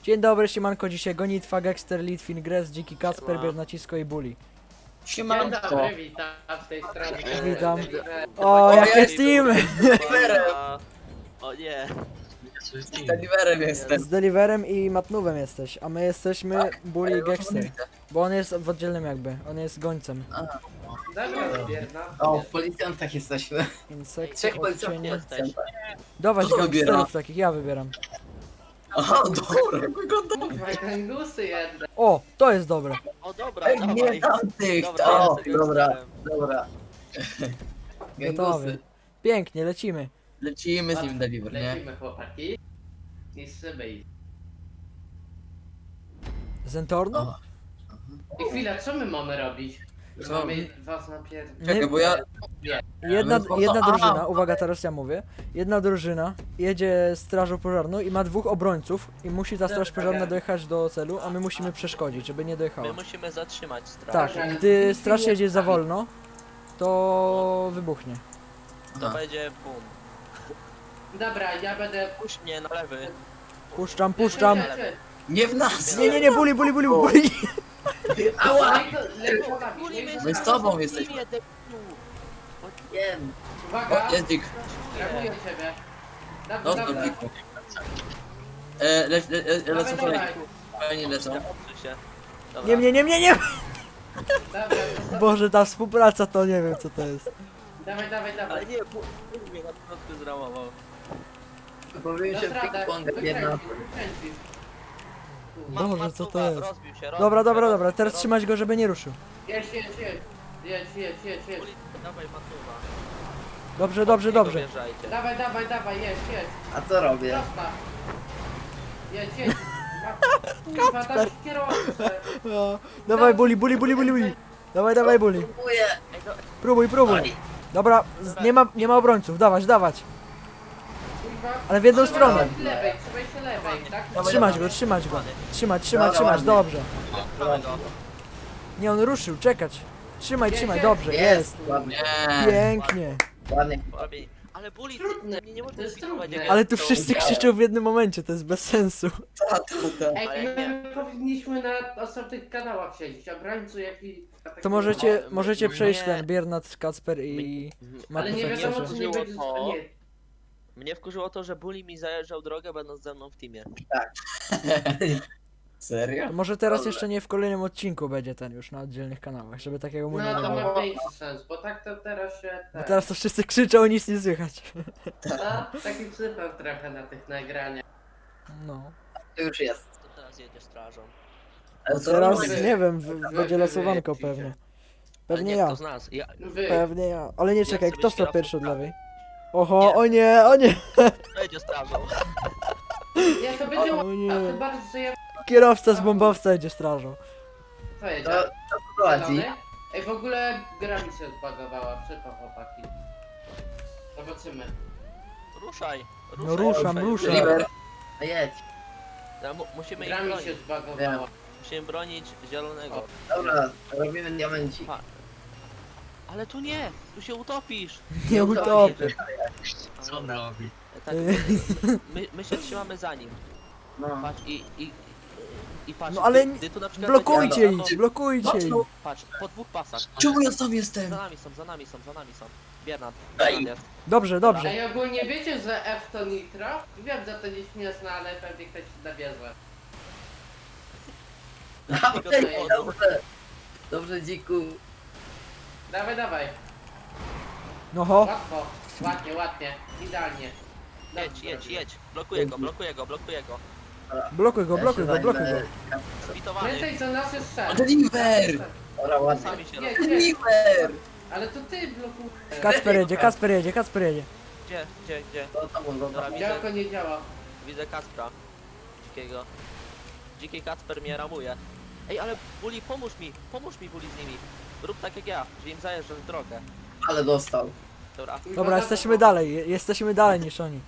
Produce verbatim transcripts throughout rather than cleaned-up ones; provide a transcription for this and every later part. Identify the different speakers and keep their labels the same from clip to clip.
Speaker 1: Dzień dobry, siemanko, dzisiaj Gonitwa, Gexter, Litwin, Gres, Dziki Kacper, Biernacisko i Bully.
Speaker 2: Dzień
Speaker 3: Siemanko.
Speaker 2: dobry, witam w tej stronie.
Speaker 1: Witam.
Speaker 2: Deliver.
Speaker 1: O, jakie team!
Speaker 3: O nie.
Speaker 2: Z Deliverem jestem.
Speaker 1: Z Deliverem i Matnówem jesteś, a my jesteśmy Bully i Gexter. Bo on jest w oddzielnym jakby, on jest gońcem.
Speaker 2: Dobra, bierna.
Speaker 4: O, w policjantach jesteśmy.
Speaker 1: Insekty,
Speaker 4: Trzech policjantów
Speaker 1: odcienie.
Speaker 3: Jesteś.
Speaker 1: Dawać
Speaker 4: Kto wybiera?
Speaker 1: gangsterów takich, ja wybieram.
Speaker 4: Aha, dobra, wygląda.
Speaker 2: Kurwa, gangusy jedne.
Speaker 1: O, to jest dobre.
Speaker 3: O dobra,
Speaker 4: Ej,
Speaker 3: dawaj.
Speaker 4: nie tamtych,
Speaker 3: Dobra,
Speaker 4: o,
Speaker 3: ja sobie
Speaker 4: dobra,
Speaker 3: wstałem.
Speaker 4: dobra.
Speaker 1: Gotowy.
Speaker 4: Gangusy.
Speaker 1: Pięknie, lecimy.
Speaker 4: Lecimy z nim Deliver, nie?
Speaker 2: Lecimy, chłopaki. Niszczymy ich.
Speaker 1: Zentorno?
Speaker 4: O,
Speaker 2: I chwila, co my mamy robić?
Speaker 4: Co?
Speaker 2: Mamy was napierdolić.
Speaker 4: czekaj, bo ja...
Speaker 1: Jedna,
Speaker 4: Ale-
Speaker 1: jedna
Speaker 4: Aha.
Speaker 1: drużyna, uwaga, teraz ja mówię. Jedna drużyna jedzie strażą pożarną i ma dwóch obrońców i musi ta straż pożarna dojechać do celu, a my musimy przeszkodzić, żeby nie dojechała.
Speaker 3: My musimy zatrzymać straż.
Speaker 1: Tak, gdy straż jedzie za wolno, to wybuchnie.
Speaker 3: To
Speaker 4: Aha.
Speaker 3: będzie bum.
Speaker 2: Dobra, ja będę...
Speaker 3: Puść mnie na lewy.
Speaker 1: Puszczam, puszczam.
Speaker 2: Lecz, lecz,
Speaker 4: Nie w nas!
Speaker 1: Nie, nie, nie, buli, buli, buli, buli.
Speaker 4: Ała!
Speaker 2: lecz. Lecz, lecz, lecz,
Speaker 4: My z
Speaker 2: lecz.
Speaker 4: tobą jesteśmy.
Speaker 3: Nie, debilu.
Speaker 4: Wiem.
Speaker 2: Uwaga,
Speaker 4: O, jest dzik.
Speaker 2: trakuję ciebie. Dobra,
Speaker 4: Dostał
Speaker 2: dobra.
Speaker 4: dziku. E, le, le, le,
Speaker 2: Dawaj,
Speaker 4: lecą
Speaker 2: dawaj.
Speaker 4: kolejni. Fajnie lecą.
Speaker 3: Odsuń się. Dobra.
Speaker 1: Nie, nie, nie, nie, nie.
Speaker 2: Dobra, dobra.
Speaker 1: Boże, ta współpraca to nie wiem co to jest.
Speaker 2: Dawaj, dawaj,
Speaker 3: Ale
Speaker 2: dawaj.
Speaker 3: nie, puść mnie na początku zramował.
Speaker 4: Powiem się
Speaker 2: Dasz radę,
Speaker 4: ping-pong, jedna.
Speaker 2: wykręcisz, wykręcisz.
Speaker 3: Ma-
Speaker 1: Boże,
Speaker 3: ma
Speaker 1: co to
Speaker 3: tuba,
Speaker 1: jest?
Speaker 3: Rozbił się, rozbił
Speaker 1: Dobra,
Speaker 3: się,
Speaker 1: dobra,
Speaker 3: rozbił
Speaker 1: dobra,
Speaker 3: się,
Speaker 1: teraz
Speaker 3: rozbił
Speaker 1: trzymać go, żeby nie ruszył.
Speaker 2: Jedź, jedź, jedź. Jedź, jedź, jedź, jedź, jedź.
Speaker 3: się. Dawaj, matuwa.
Speaker 1: Dobrze, dobrze, dobrze.
Speaker 3: Wjeżdżajcie.
Speaker 2: Dawaj, dawaj, dawaj, jedź, jedź.
Speaker 4: A co robię?
Speaker 2: Prosta. Jedź, jedź. Kurwa, dać kierowcę.
Speaker 1: O, dawaj, buli, buli, buli, buli, buli. Dawaj, dawaj, buli.
Speaker 4: Próbuję.
Speaker 3: Ej, no,
Speaker 1: Próbuj, próbuj. Dobra, z, nie ma, nie ma obrońców, dawać, dawać.
Speaker 2: Kurwa.
Speaker 1: Ale w jedną
Speaker 2: Trzymaj
Speaker 1: stronę.
Speaker 2: się lewej, trzymaj się lewej, tak?
Speaker 4: Dawaj,
Speaker 1: Trzymać go, trzymać go. Trzymać, trzymać,
Speaker 4: Dobra,
Speaker 1: trzymać,
Speaker 4: ładnie.
Speaker 1: dobrze.
Speaker 3: mamy go.
Speaker 1: Nie, on ruszył, czekać. Trzymaj,
Speaker 2: Jest,
Speaker 1: trzymaj,
Speaker 2: jest.
Speaker 1: dobrze, jest.
Speaker 4: Ładnie.
Speaker 1: Pięknie.
Speaker 4: Ładnie.
Speaker 3: Robi- Ale buli,
Speaker 2: Trudne,
Speaker 3: nie, nie można
Speaker 2: to jest
Speaker 3: pilnować,
Speaker 2: trudne.
Speaker 3: jak
Speaker 1: Ale
Speaker 3: ja
Speaker 1: tu
Speaker 3: to
Speaker 1: wszyscy
Speaker 3: udziałem.
Speaker 1: krzyczą w jednym momencie, to jest bez sensu.
Speaker 4: Ta, ta, ta.
Speaker 2: Ej,
Speaker 3: Ale
Speaker 2: my,
Speaker 3: nie.
Speaker 2: my powinniśmy na osobnych kanałach siedzieć, obrońcu jak i...
Speaker 1: To możecie,
Speaker 3: Ale-
Speaker 1: możecie
Speaker 3: nie.
Speaker 1: przejść ten Biernat, Kacper i...
Speaker 2: Ale nie
Speaker 1: Matufek
Speaker 2: wiadomo,
Speaker 1: też.
Speaker 2: czy nie będzie...
Speaker 3: To-
Speaker 2: Nie.
Speaker 3: Mnie wkurzyło to, że Bully mi zajeżdżał drogę, będąc ze mną w teamie.
Speaker 4: Serio?
Speaker 1: To może teraz jeszcze nie w kolejnym odcinku będzie ten już na oddzielnych kanałach, żeby takiego mu nie
Speaker 2: No to
Speaker 1: było.
Speaker 2: ma większy sens, bo tak to teraz się...
Speaker 1: Bo
Speaker 2: Tak.
Speaker 1: teraz to wszyscy krzyczą, nic nie słychać.
Speaker 2: No, taki przypał trochę na tych nagraniach.
Speaker 1: No.
Speaker 4: To już jest.
Speaker 3: To teraz jedzie strażą.
Speaker 4: Ale co
Speaker 1: Teraz
Speaker 4: robimy?
Speaker 1: nie wiem, w- będzie losowanko pewnie.
Speaker 3: Ale
Speaker 1: Pewnie
Speaker 3: nie,
Speaker 1: ja.
Speaker 3: kto z nas? Ja,
Speaker 2: Wy.
Speaker 1: Pewnie ja. Ale nie czekaj,
Speaker 3: sobie
Speaker 1: kto sta
Speaker 3: kierowcą
Speaker 1: pierwszy od
Speaker 3: prawy.
Speaker 1: lewej? Oho,
Speaker 3: Nie.
Speaker 1: o nie, o nie!
Speaker 3: kto jedzie strażą?
Speaker 2: Nie, to będzie
Speaker 1: O
Speaker 2: łatwe,
Speaker 1: nie.
Speaker 2: a ty bardziej sobie...
Speaker 1: Kierowca z bombowca jedzie strażą.
Speaker 2: Co jedzie?
Speaker 4: To, to prowadzi.
Speaker 2: Zielony? Ej, w ogóle gra mi się zbagowała, przypał chłopaki. Zobaczymy.
Speaker 3: Ruszaj, ruszaj.
Speaker 1: No ruszam, ruszam.
Speaker 4: Deliver. A jedź.
Speaker 3: Ja, mu, musimy ich
Speaker 2: Gra mi
Speaker 3: bronić.
Speaker 2: się zbagowała.
Speaker 3: Musimy bronić zielonego.
Speaker 4: Dobra, robimy diamencik.
Speaker 3: Ale tu nie! Tu się utopisz!
Speaker 1: Nie utopię.
Speaker 4: Co on robi?
Speaker 3: Tak, my, my się trzymamy za nim.
Speaker 4: No.
Speaker 3: Patrz i, i, i patrz.
Speaker 1: No ale
Speaker 3: gdy, gdy tu na przykład
Speaker 1: Blokujcie
Speaker 3: będzie-
Speaker 1: ich, blokujcie ich.
Speaker 3: Patrz, po dwóch pasach.
Speaker 4: Czemu ja tam
Speaker 3: Za
Speaker 4: jestem?
Speaker 3: nami są, za nami są, za nami są. Biernat.
Speaker 4: Ej.
Speaker 3: Biernat jest.
Speaker 1: Dobrze, dobrze.
Speaker 2: Ej, ogólnie wiecie, że F to nitro? Wiem, że to nieśmieszne, ale pewnie ktoś się nabierze.
Speaker 4: Ej, Dobrze. Dobrze, dziku.
Speaker 2: Dawaj, dawaj.
Speaker 1: No ho,
Speaker 2: Łatwo. Ładnie, ładnie. Idealnie.
Speaker 3: Jedź,
Speaker 2: Dobrze
Speaker 3: jedź,
Speaker 2: zrobił.
Speaker 3: jedź. Blokuję go, blokuję go, blokuję go.
Speaker 1: blokuj go,
Speaker 4: Ja
Speaker 1: blokuj
Speaker 4: się
Speaker 1: go, blokuj go.
Speaker 4: zajmę.
Speaker 3: Zbitowany.
Speaker 2: Pamiętaj, że nas jest szef.
Speaker 4: Deliver! Dobra, ładnie.
Speaker 3: Sami się roz...
Speaker 2: Nie, nie.
Speaker 4: Deliver!
Speaker 2: Ale to ty blokujesz.
Speaker 1: Kacper jedzie, Kacper jedzie, Kacper jedzie.
Speaker 3: Gdzie, gdzie, gdzie?
Speaker 4: To tam on
Speaker 3: Dobra,
Speaker 4: dobra.
Speaker 2: Działko nie działa.
Speaker 3: Widzę Kacpra. Dzikiego. Dziki Kacper mnie ramuje. Ej, ale Bully, pomóż mi, pomóż mi Bully z nimi. Rób tak jak ja, że im zajeżdżasz drogę.
Speaker 4: Ale dostał.
Speaker 3: Dobra.
Speaker 1: Dobra, jesteśmy dalej, je- jesteśmy dalej niż oni.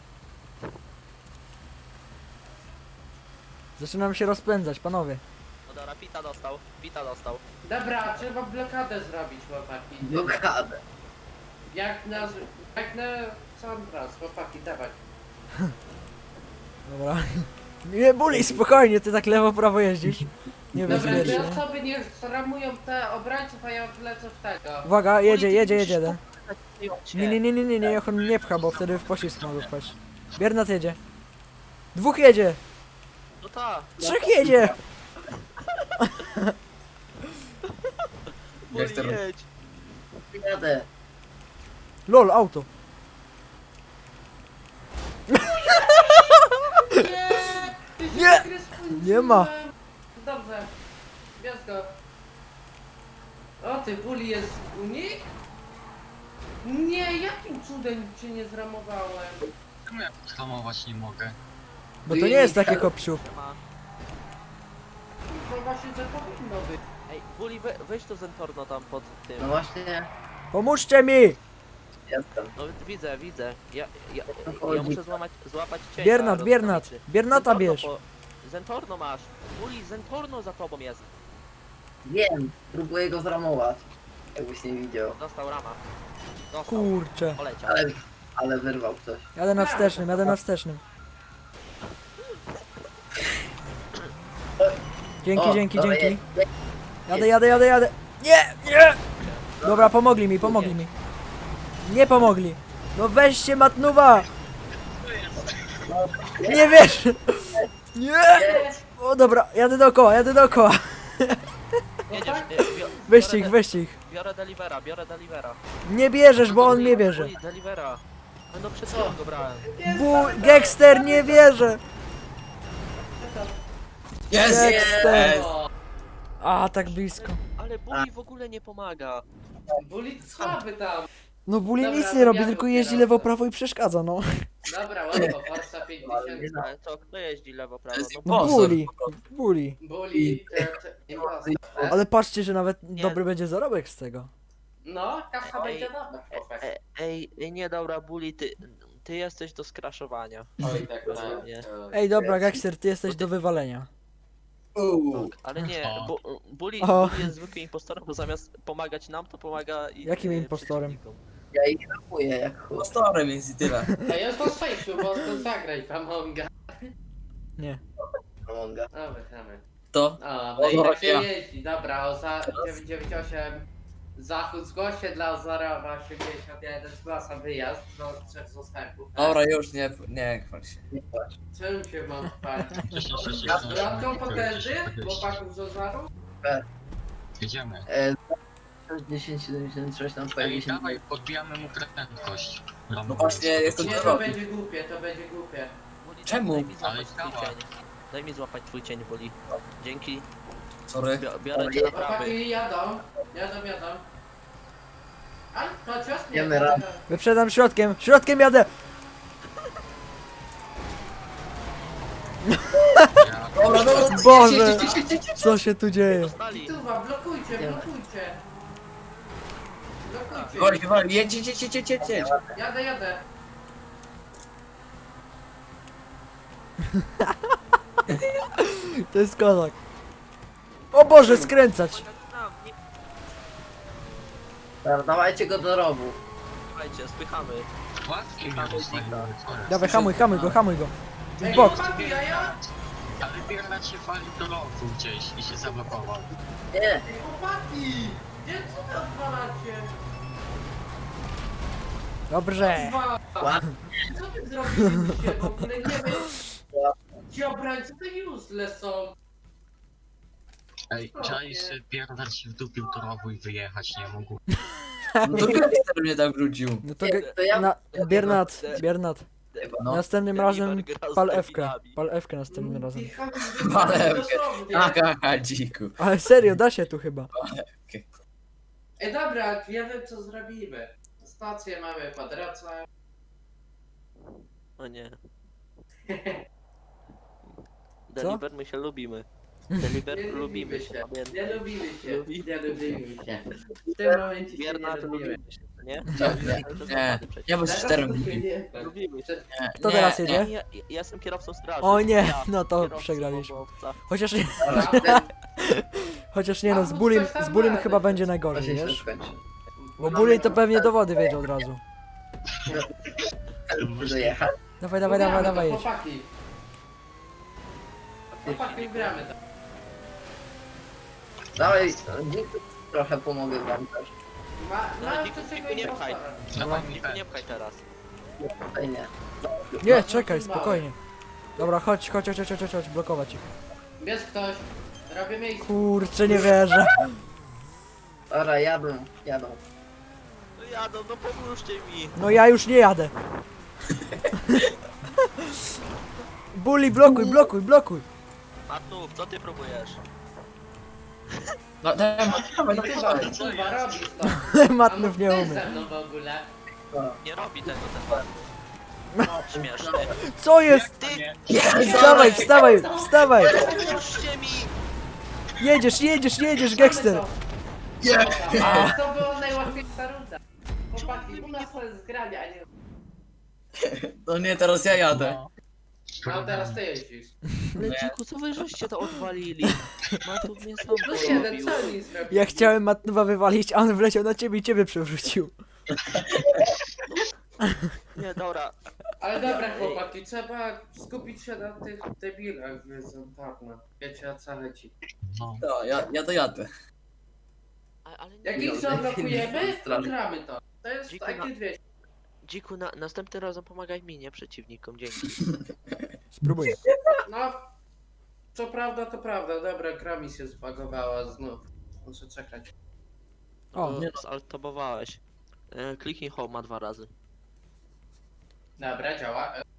Speaker 1: Zaczynam się rozpędzać, panowie.
Speaker 3: No dobra, Pita dostał, Pita dostał.
Speaker 2: Dobra, trzeba blokadę zrobić, chłopaki.
Speaker 4: Blokadę.
Speaker 2: Jak na... Jak na sam raz, chłopaki, dawać.
Speaker 1: Dobra. Nie, Buli, spokojnie, ty tak lewo, prawo jeździsz. Nie
Speaker 2: Dobra, dwie
Speaker 1: bezpiecznie.
Speaker 2: osoby niech zramują te obrońców, a ja wlecę w tego.
Speaker 1: Uwaga, jedzie,
Speaker 3: Buli, ty
Speaker 1: jedzie,
Speaker 3: musisz
Speaker 1: jedzie jeden.
Speaker 3: popychać w tej ocie.
Speaker 1: Nie, nie, nie, nie, nie, nie, niech on nie pcha, bo wtedy w poślizg mogę wpaść. Biernat jedzie. Dwóch jedzie!
Speaker 3: No tak.
Speaker 1: Trzech jedzie!
Speaker 3: Buli,
Speaker 4: Jestem-
Speaker 3: jedź.
Speaker 4: Jadę.
Speaker 1: Lol, auto.
Speaker 2: Nie! Ty się
Speaker 1: Nie!
Speaker 2: wkręciłem.
Speaker 1: Nie ma.
Speaker 2: Dobrze. Bierz go. O, ty Buli jest w Unii? Nie, jakim cudem cię nie zramowałem?
Speaker 5: Czemu ja hamować nie mogę?
Speaker 1: Bo to nie jest takie kopciup.
Speaker 3: Ma.
Speaker 2: No właśnie, że powinno być.
Speaker 3: Ej, Buli, we, weź to Zentorno tam pod tym.
Speaker 4: No właśnie,
Speaker 1: Pomóżcie mi!
Speaker 4: jestem.
Speaker 3: No widzę, widzę. Ja, ja,
Speaker 4: to
Speaker 3: ja
Speaker 4: chodzi?
Speaker 3: muszę złamać, złapać cienia.
Speaker 1: Biernat, Biernat.
Speaker 3: rozprawicy.
Speaker 1: Biernata
Speaker 3: Zentorno
Speaker 1: bierz.
Speaker 3: po- Zentorno masz. Buli, Zentorno za tobą jest.
Speaker 4: Wiem, próbuję go zramować. Jakbyś nie widział.
Speaker 3: Dostał rama. Dostał.
Speaker 1: Kurczę.
Speaker 3: Poleciał.
Speaker 4: Ale, ale wyrwał coś.
Speaker 1: Jadę na wstecznym, jadę na wstecznym. Dzięki,
Speaker 4: O,
Speaker 1: dzięki,
Speaker 4: dobra,
Speaker 1: dzięki.
Speaker 4: jedź,
Speaker 1: Jadę, jadę, jadę, jadę. Nie, nie! Dobra, pomogli mi, pomogli mi. Nie pomogli. No weźcie matnuwa! Nie wiesz! Nie! O dobra, jadę dookoła, jadę dookoła.
Speaker 3: Jedziesz.
Speaker 2: tak?
Speaker 3: y, bio-
Speaker 1: Weźcie
Speaker 3: biorę
Speaker 1: ich,
Speaker 3: de-
Speaker 1: weźcie ich.
Speaker 3: Biorę delivera, biorę delivera.
Speaker 1: Nie bierzesz, bo on mnie bierze.
Speaker 3: Buli, delivera. A no przed chwilą go brałem.
Speaker 1: Bu Gekster, nie wierzę!
Speaker 4: Jest!
Speaker 1: Gekster!
Speaker 2: O,
Speaker 1: A, tak blisko.
Speaker 3: Ale Buli w ogóle nie pomaga.
Speaker 2: Buli słaby tam.
Speaker 1: No Buli
Speaker 2: Dobra,
Speaker 1: nic
Speaker 2: to
Speaker 1: nie robi,
Speaker 2: ja
Speaker 1: tylko
Speaker 2: tu
Speaker 1: jeździ
Speaker 2: kieruję.
Speaker 1: lewo, prawo i przeszkadza, no.
Speaker 2: Dobra, łatwo, Forza pięćdziesiąt.
Speaker 3: Ale to kto jeździ lewo, prawo?
Speaker 4: jest
Speaker 3: No
Speaker 1: No
Speaker 4: Impostor.
Speaker 1: Buli, Buli.
Speaker 2: Buli, te, te, impostor.
Speaker 1: Ale patrzcie, że nawet
Speaker 3: Nie.
Speaker 1: dobry będzie zarobek z tego.
Speaker 2: No, kasa
Speaker 3: Ej,
Speaker 2: będzie dobra, chłopak.
Speaker 3: E, ej, ej, nie dobra, Buli, ty, ty jesteś do skraszowania.
Speaker 2: Oj, tak, tak.
Speaker 3: Nie.
Speaker 1: Ej, dobra, Gekster, ty jesteś do wywalenia.
Speaker 4: Uuu.
Speaker 3: Ale nie, bu, Buli,
Speaker 1: O.
Speaker 3: Buli jest zwykłym impostorem, bo zamiast pomagać nam, to pomaga i
Speaker 1: Jakim
Speaker 3: e,
Speaker 1: impostorem?
Speaker 3: przeciwnikom.
Speaker 4: Ja ich ramuję jak chuj.
Speaker 6: Impostorem jest i tyle.
Speaker 2: Ej, jest po sześciu, bo to zagraj Amonga.
Speaker 1: Nie.
Speaker 4: Amonga.
Speaker 2: No, wychamy.
Speaker 6: To?
Speaker 2: O, no i
Speaker 6: Ozora
Speaker 2: tak się
Speaker 6: ja.
Speaker 2: jeździ. Dobra, Oza dziewięćset dziewięćdziesiąt osiem. Zachód zgłoś się dla Ozorowa osiemdziesiąt jeden, zgłasza wyjazd do trzech zastępów.
Speaker 6: Dobra, już nie, nie chwal się.
Speaker 4: Nie płacz.
Speaker 2: Czym się mam spać?
Speaker 5: Wcześniej się
Speaker 2: A z bratką potęży? Chłopaków z Ozoru?
Speaker 5: Jedziemy.
Speaker 4: E, dziesięć siedemdziesiąt sześć na twoje
Speaker 5: Ej,
Speaker 4: dziesięć.
Speaker 5: dawaj, podbijamy mu prędkość.
Speaker 6: No właśnie, jestem
Speaker 2: Nie,
Speaker 6: to
Speaker 2: to
Speaker 6: robi.
Speaker 2: będzie głupie, to będzie głupie.
Speaker 3: Buli,
Speaker 6: Czemu?
Speaker 3: Daj mi złapać
Speaker 5: Ale
Speaker 3: twój
Speaker 5: działa.
Speaker 3: cień. Daj mi złapać twój cień, Buli. Dzięki.
Speaker 6: Sorry.
Speaker 3: Bio- Biorę cię na prawy.
Speaker 2: Chłopaki jadą, jadą, jadą. A, to cios nie.
Speaker 4: Wiemy raz.
Speaker 1: Wyprzedam środkiem, środkiem jadę!
Speaker 5: Ja,
Speaker 6: Dobra, dobra,
Speaker 1: Boże!
Speaker 6: jedź, jedź, jedź, jedź, jedź.
Speaker 1: Co się tu dzieje?
Speaker 3: Dostali.
Speaker 2: Tuwa, blokujcie,
Speaker 4: Nie.
Speaker 2: blokujcie. Blokujcie.
Speaker 6: Woli, woli, jedź, jedź, jedź, jedź, jedź, jedź, jedź.
Speaker 2: Jadę, jadę.
Speaker 1: To jest kozak. O Boże, skręcać!
Speaker 3: Nam, nie
Speaker 4: Dobra, dawajcie go do rowu.
Speaker 3: słuchajcie, spychamy.
Speaker 5: łatwiej mnie zostawiły.
Speaker 1: Dawaj, hamuj, hamuj go, hamuj go.
Speaker 2: Ej,
Speaker 1: W bok.
Speaker 2: chłopaki, a ja?
Speaker 5: Ale Biernat się walił do lotu gdzieś i się zablokował.
Speaker 4: Nie,
Speaker 2: Ej, chłopaki! Gdzie co wy odwalacie?
Speaker 1: Dobrze.
Speaker 2: Dwa.
Speaker 4: ładnie.
Speaker 2: Co wy zrobiliście? W ogóle nie wiem. Ci obrońcy to useless są.
Speaker 5: Ej, czaisz, że Biernat się wdupił do rowu i wyjechać nie mógł.
Speaker 6: No to Gangster mnie tak wrócił.
Speaker 1: No to,
Speaker 4: Nie,
Speaker 1: ge-
Speaker 4: to ja-
Speaker 1: na, Biernat, Biernat.
Speaker 6: No.
Speaker 1: Następnym
Speaker 3: Deliver
Speaker 1: razem
Speaker 3: gra z
Speaker 1: pal F-kę.
Speaker 3: debilami.
Speaker 1: Pal F-kę następnym razem.
Speaker 6: Ale-
Speaker 2: Dosłownie.
Speaker 6: Aha, aha, dziku.
Speaker 1: Ale serio, da się tu chyba.
Speaker 2: Ej, dobra, ja wiem co zrobimy. Stację mamy po drodze.
Speaker 3: O nie. Deliver, my się lubimy. Deliver,
Speaker 2: Nie
Speaker 3: lubimy się,
Speaker 2: Nie
Speaker 3: pamiętaj.
Speaker 2: lubimy się,
Speaker 3: Lubi-
Speaker 2: nie lubimy się. W tym momencie się nie
Speaker 3: Biernat,
Speaker 2: lubimy.
Speaker 3: lubimy się, nie?
Speaker 6: Nie, nie, bo z
Speaker 2: Teraz
Speaker 6: czterem
Speaker 2: to się
Speaker 6: lubi.
Speaker 2: nie-
Speaker 3: Lubimy się.
Speaker 6: Nie,
Speaker 1: Kto
Speaker 6: nie,
Speaker 1: teraz
Speaker 6: nie.
Speaker 1: jedzie?
Speaker 3: Ja, ja, ja jestem kierowcą straży.
Speaker 1: O nie,
Speaker 3: Ja,
Speaker 1: no to
Speaker 3: kierowcą
Speaker 1: przegraliśmy.
Speaker 3: obowca.
Speaker 1: Chociaż nie,
Speaker 2: Naprawdę?
Speaker 1: chociaż nie no, z
Speaker 2: A,
Speaker 1: Bulim,
Speaker 2: coś tam
Speaker 1: z Bulim
Speaker 2: ma,
Speaker 1: chyba
Speaker 2: coś
Speaker 1: będzie
Speaker 2: tam.
Speaker 1: najgorzej,
Speaker 4: Właśnie się
Speaker 1: wiesz?
Speaker 4: skończy.
Speaker 1: Bo Buli to pewnie do wody wiedział od razu.
Speaker 4: Dojechać.
Speaker 1: Dawaj, dawaj, dawaj,
Speaker 2: Mówiamy,
Speaker 1: dawaj,
Speaker 2: to
Speaker 1: jedź.
Speaker 2: chłopaki. Chłopaki, gramy to.
Speaker 4: Dawaj, dzięki, trochę pomogę wam też.
Speaker 2: Ma,
Speaker 3: No,
Speaker 2: ma
Speaker 3: dziku,
Speaker 2: to
Speaker 3: dziku,
Speaker 2: czego
Speaker 3: nie pchaj.
Speaker 5: Dawaj mi
Speaker 3: Dziku, nie pchaj teraz.
Speaker 4: Nie, tutaj nie.
Speaker 1: Nie, czekaj, spokojnie. Dobra, chodź, chodź, chodź, chodź, chodź, chodź, blokować ich.
Speaker 2: Jest ktoś. Robię miejsce.
Speaker 1: Kurczę, nie wierzę.
Speaker 4: Dobra, jadą, jadą.
Speaker 3: No jadą, no pomóżcie mi.
Speaker 1: No ja już nie jadę. Bully, blokuj, blokuj, blokuj.
Speaker 3: Matnów, co ty próbujesz?
Speaker 6: No, dawaj, dawaj,
Speaker 2: I
Speaker 6: dawaj,
Speaker 2: tu
Speaker 6: dawaj.
Speaker 2: kurwa robisz to.
Speaker 1: Matnów nie
Speaker 2: A
Speaker 1: umie.
Speaker 2: ze mną w ogóle.
Speaker 3: Nie robi tego ten Matnów. Śmieszny.
Speaker 1: Co jest?
Speaker 3: Ty,
Speaker 1: Wstawaj, wstawaj, wstawaj.
Speaker 3: pomóżcie mi!
Speaker 1: Jedziesz, jedziesz, jedziesz, Gangster.
Speaker 2: A to była najłatwiejsza runda. Chłopaki, u nas to jest granie, a nie...
Speaker 6: No nie, teraz ja jadę.
Speaker 5: No.
Speaker 2: No teraz ty jeździsz.
Speaker 3: Ale dziku, co wy żeście to odwalili? Matów mnie sam
Speaker 2: Plus jeden,
Speaker 3: porobił.
Speaker 2: co oni zrobili?
Speaker 1: Ja chciałem Matnowa wywalić, a on wleciał na ciebie i ciebie przewrócił.
Speaker 3: Nie, dobra.
Speaker 2: Ale dobra chłopaki, trzeba skupić się na tych debilach z Zontarna. Wiecie o co chodzi.
Speaker 5: No.
Speaker 6: No, ja, ja to jadę.
Speaker 3: A, ale nie,
Speaker 2: Jak ich
Speaker 4: Dobra,
Speaker 2: zablokujemy, to
Speaker 4: strażnik.
Speaker 2: gramy to. To jest
Speaker 3: Dziku,
Speaker 2: takie
Speaker 3: na-
Speaker 2: dwie.
Speaker 3: dziku, na, następnym razem pomagaj mi, nie przeciwnikom, dzięki.
Speaker 1: Spróbuję.
Speaker 2: No, co prawda, to prawda. Dobra, gra mi się zbagowała znów. Muszę czekać.
Speaker 1: O,
Speaker 3: O,
Speaker 6: nie
Speaker 3: zaltobowałeś. E, kliknij home ma dwa razy.
Speaker 2: Dobra, działa. E,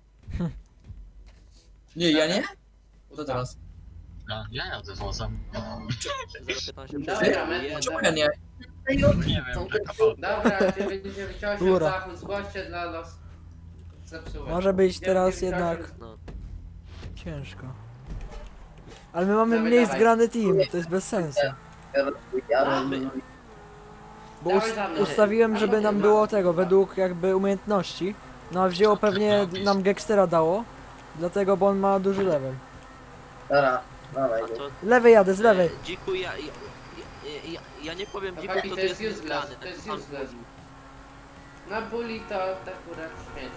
Speaker 6: Nie, ja nie? To
Speaker 2: ustaw.
Speaker 6: teraz.
Speaker 5: Ja, ja jadę wozem.
Speaker 3: zero piętnaście
Speaker 2: Dobra, my-
Speaker 3: jeden.
Speaker 6: Czemu ja nie?
Speaker 5: Nie wiem, taka woda.
Speaker 2: Dobra, dziewięć dziewięć osiem
Speaker 1: Góra.
Speaker 2: zachód, zgłoście dla nas. Zepsułem.
Speaker 1: może być teraz
Speaker 2: dziewięć dziewięć osiem.
Speaker 1: jednak
Speaker 3: No.
Speaker 1: ciężko. Ale my mamy
Speaker 2: Dawaj,
Speaker 1: mniej
Speaker 2: dawaj.
Speaker 1: zgrany team, to jest bez sensu.
Speaker 4: Jadą,
Speaker 1: Bo
Speaker 2: Dawaj
Speaker 1: us
Speaker 2: za mną.
Speaker 1: ustawiłem, żeby nam było tego, według jakby umiejętności. No a wzięło pewnie, nam Gangstera dało. Dlatego, bo on ma duży level.
Speaker 4: Dobra, dawaj.
Speaker 3: A to...
Speaker 1: Lewej jadę, z lewej.
Speaker 3: E, dziku, ja, ja, ja, ja, ja nie powiem dziku,
Speaker 2: Chłopaki,
Speaker 3: kto
Speaker 2: to
Speaker 3: tu
Speaker 2: jest
Speaker 3: jest
Speaker 2: useless,
Speaker 3: niezgrany.
Speaker 2: to
Speaker 3: tak
Speaker 2: jest
Speaker 3: pan
Speaker 2: useless.
Speaker 3: mówił.
Speaker 2: Na bully to tak akurat śmieć.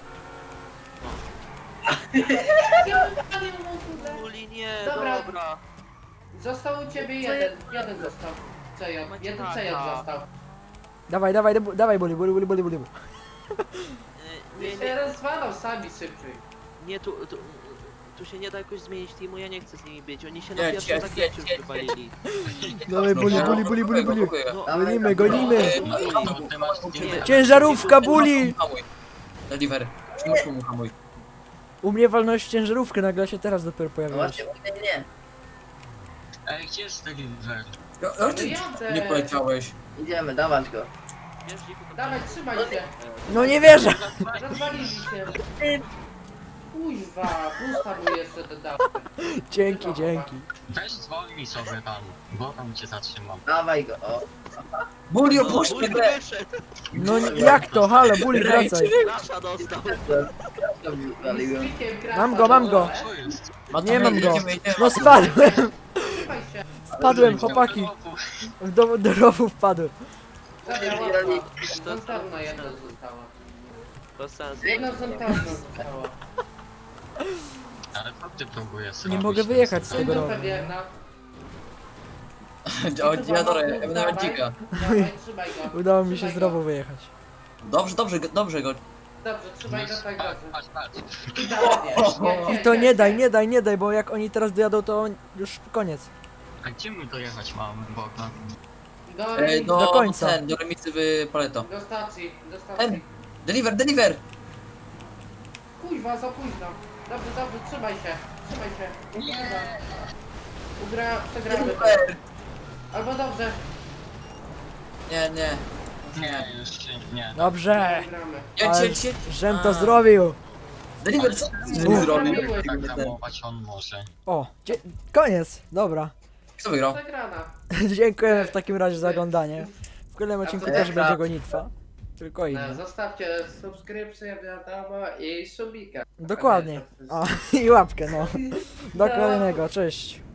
Speaker 3: Uli, nie,
Speaker 2: Dobra.
Speaker 3: dobra.
Speaker 2: Został u ciebie jeden, jeden został. C J,
Speaker 3: Macie
Speaker 2: jeden
Speaker 3: haka.
Speaker 2: C J został.
Speaker 1: Dawaj, dawaj, debu- dawaj, buli, buli, buli, buli, buli.
Speaker 3: E,
Speaker 2: Nie
Speaker 3: nie,
Speaker 2: się
Speaker 3: nie,
Speaker 2: rozwalał sami szybciej.
Speaker 3: nie tu, tu, tu się nie da jakoś zmienić teamu, ja nie chcę z nimi być. Oni się na
Speaker 6: Jedź,
Speaker 3: pierwszym
Speaker 6: jedź,
Speaker 3: zakręcie
Speaker 6: jedź,
Speaker 3: już
Speaker 6: jedź.
Speaker 3: wywalili.
Speaker 1: Dawaj, buli, buli, buli, buli, buli.
Speaker 3: No,
Speaker 1: Gonimy, gonimy.
Speaker 5: To ty masz nie.
Speaker 1: Ciężarówka, buli!
Speaker 6: Hamuj. Deliver. Przymusz mu hamuj.
Speaker 1: U mnie walność ciężarówkę, nagle się teraz dopiero
Speaker 4: No
Speaker 1: pojawiła.
Speaker 4: właśnie, nie, nie.
Speaker 5: Ej, gdzie jest deliver?
Speaker 6: Ja,
Speaker 2: No
Speaker 6: ja, czy
Speaker 2: jadę.
Speaker 6: nie poleciałeś?
Speaker 4: Idziemy, dawać go.
Speaker 3: wiesz, dziku, to
Speaker 2: Dawaj, trzymaj się.
Speaker 1: No nie wierzę!
Speaker 2: Rozwalili się. Kuźwa, pusta mu jeszcze dodałem.
Speaker 1: Dzięki, dzięki.
Speaker 5: Weź zwolnij sobie tam, bo tam cię zatrzymam.
Speaker 4: Dawaj go, o.
Speaker 6: Buli,
Speaker 3: No,
Speaker 6: opuść
Speaker 3: Uli
Speaker 6: mnie!
Speaker 3: wyszedł,
Speaker 1: No nie- jak to? Halo, buli, wracaj.
Speaker 3: Nasza dostał.
Speaker 4: Waliłem.
Speaker 2: Z klikiem krasa
Speaker 1: Mam go, mam go.
Speaker 2: dole.
Speaker 5: Co jest?
Speaker 1: Nie mam go.
Speaker 6: Jedziemy, jedziemy.
Speaker 1: No spadłem!
Speaker 2: Trzymaj się.
Speaker 1: Spadłem, chłopaki. Do, do rowu wpadłem.
Speaker 2: Dobra, łatwo. Zontarna jedna została.
Speaker 3: Bez sensu.
Speaker 2: Jedna zontarna została.
Speaker 5: Ale co ty próbujesz
Speaker 1: Nie
Speaker 5: robić?
Speaker 1: mogę wyjechać z tego
Speaker 2: Dupę
Speaker 1: rowu.
Speaker 2: wierna.
Speaker 6: O, ja to ja będę miał dzika.
Speaker 2: Dawaj, trzymaj go.
Speaker 1: Udało mi się
Speaker 2: Trzymaj
Speaker 1: z
Speaker 2: go.
Speaker 1: rowu wyjechać.
Speaker 6: Dobrze, dobrze, go- dobrze go.
Speaker 2: Dobrze, trzymaj go tak
Speaker 5: Patrz,
Speaker 2: dobrze.
Speaker 5: patrz, patrz.
Speaker 2: Idealnie. Nie,
Speaker 1: I to nie daj, nie daj, nie daj, bo jak oni teraz dojadą, to już koniec.
Speaker 5: A gdzie my dojechać mam, Boga?
Speaker 2: Do,
Speaker 6: E,
Speaker 2: remi-
Speaker 6: do,
Speaker 1: Do końca.
Speaker 6: Ten, do remicy w Paleto.
Speaker 2: do stacji, do
Speaker 6: Ten.
Speaker 2: stacji.
Speaker 6: Deliver, deliver!
Speaker 2: Kuźwa, za późno. Dobrze, dobrze, trzymaj się. Trzymaj się. Nie. Ugra, przegramy to.
Speaker 6: Deliver!
Speaker 2: Albo dobrze,
Speaker 6: Nie, nie.
Speaker 5: Nie, jeszcze nie.
Speaker 1: Dobrze!
Speaker 2: przegramy.
Speaker 6: Jedź,
Speaker 1: Ale
Speaker 6: jedź, jedź.
Speaker 1: żem to
Speaker 6: A.
Speaker 1: zrobił!
Speaker 6: Deliver, co ty
Speaker 2: No,
Speaker 6: zrobił?
Speaker 2: zrobiłeś.
Speaker 5: Tak zamować on może.
Speaker 1: O, dzie- koniec, dobra.
Speaker 6: Kto wygrał?
Speaker 2: Przegrana.
Speaker 1: Dziękujemy w takim razie za oglądanie. W kolejnym odcinku
Speaker 2: to
Speaker 1: też
Speaker 4: dobra.
Speaker 1: będzie gonitwa. Tylko
Speaker 2: E,
Speaker 1: inne.
Speaker 2: Zostawcie subskrypcję, wiadomo, i subika.
Speaker 1: Dokładnie. A, i łapkę, no. Do kolejnego, cześć.